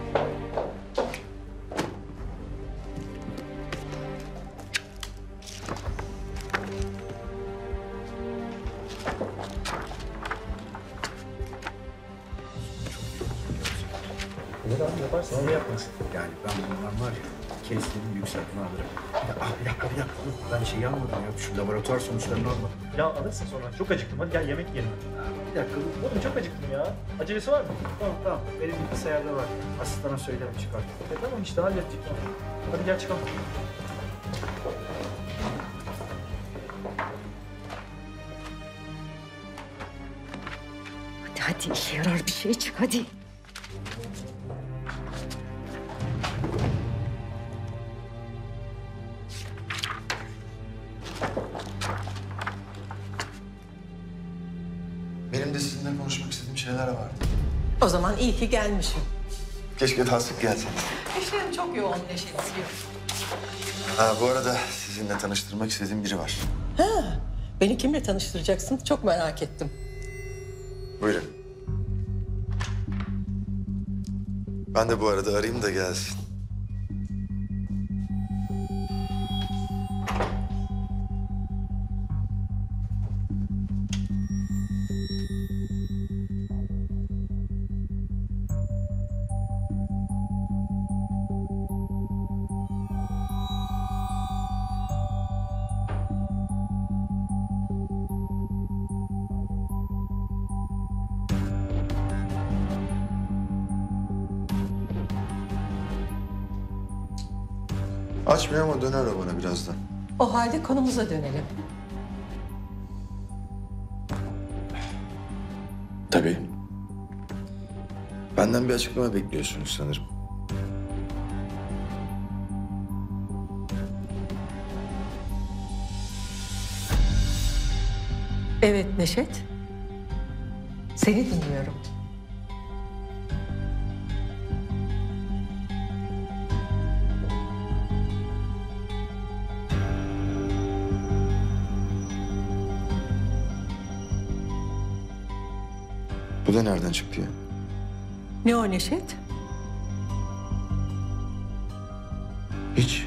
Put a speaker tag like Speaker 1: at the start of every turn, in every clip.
Speaker 1: Ne abi yaparsın, ne yapmasın? Yani ben bundan var ya, kestirdim yükseltme alırım. Bir dakika. Dur. Ben şeyi almadım ya, şu laboratuvar sonuçlarını almadım.
Speaker 2: Ya alırsın sonra. Çok acıktım. Hadi gel yemek yiyelim.
Speaker 1: Bir dakika dur.
Speaker 2: Oğlum çok acıktım ya. Acelesi var mı?
Speaker 1: Tamam. Benim bilgisayarda var. Asistana söylerim çıkart.
Speaker 2: Tamam işte halledecek. Hadi gel çıkalım.
Speaker 3: Hadi işe yarar bir şey çık hadi.
Speaker 4: Benim de sizinle konuşmak istediğim şeyler vardı.
Speaker 5: O zaman iyi ki gelmişim.
Speaker 4: Keşke daha sık gelseniz.
Speaker 5: İşlerim çok yoğun Neşet biliyorum.
Speaker 4: Ha, bu arada sizinle tanıştırmak istediğim biri var.
Speaker 5: Beni kimle tanıştıracaksın? Çok merak ettim.
Speaker 4: Buyurun. Ben de bu arada arayayım da gelsin. Açmıyor ama döner o bana birazdan.
Speaker 5: O halde konumuza dönelim.
Speaker 4: Tabii. Benden bir açıklama bekliyorsunuz sanırım.
Speaker 5: Evet Neşet. Seni dinliyorum.
Speaker 4: Bu da nereden çıktı ya?
Speaker 5: Ne o Neşet?
Speaker 4: Hiç.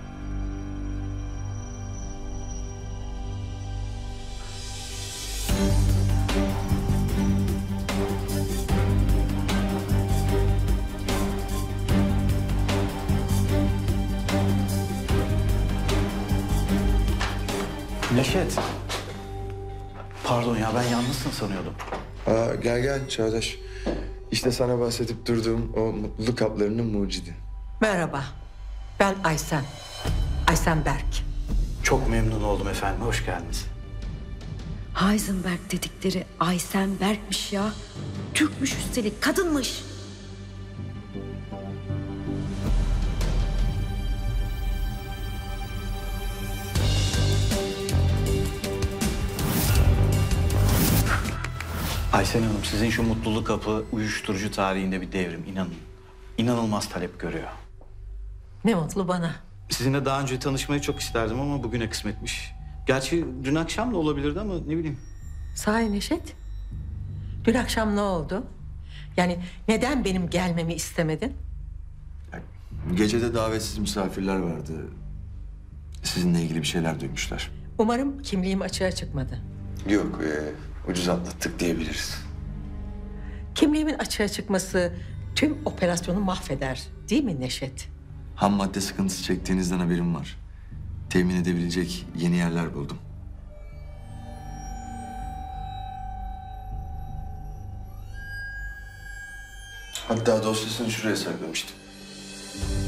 Speaker 6: Neşet. Pardon ya ben yalnızsın sanıyordum.
Speaker 4: Gel Çağdaş. İşte sana bahsedip durduğum o mutluluk haplarının mucidi.
Speaker 5: Merhaba. Ben Aysen. Aysen Berk.
Speaker 6: Çok memnun oldum efendim. Hoş geldiniz.
Speaker 3: Heisenberg dedikleri Aysen Berk'miş ya. Türkmüş üstelik, kadınmış.
Speaker 6: Aysen Hanım sizin şu mutluluk kapı uyuşturucu tarihinde bir devrim inanın. İnanılmaz talep görüyor.
Speaker 5: Ne mutlu bana.
Speaker 6: Sizinle daha önce tanışmayı çok isterdim ama bugüne kısmetmiş. Gerçi dün akşam da olabilirdi ama ne bileyim.
Speaker 5: Sahi Neşet. Dün akşam ne oldu? Yani neden benim gelmemi istemedin?
Speaker 4: Gecede davetsiz misafirler vardı. Sizinle ilgili bir şeyler duymuşlar.
Speaker 5: Umarım kimliğim açığa çıkmadı.
Speaker 4: Yok, ucuz atlattık diyebiliriz.
Speaker 5: Kimliğimin açığa çıkması tüm operasyonu mahveder. Değil mi Neşet?
Speaker 4: Ham madde sıkıntısı çektiğinizden haberim var. Temin edebilecek yeni yerler buldum. Hatta dosyasını şuraya saklamıştım.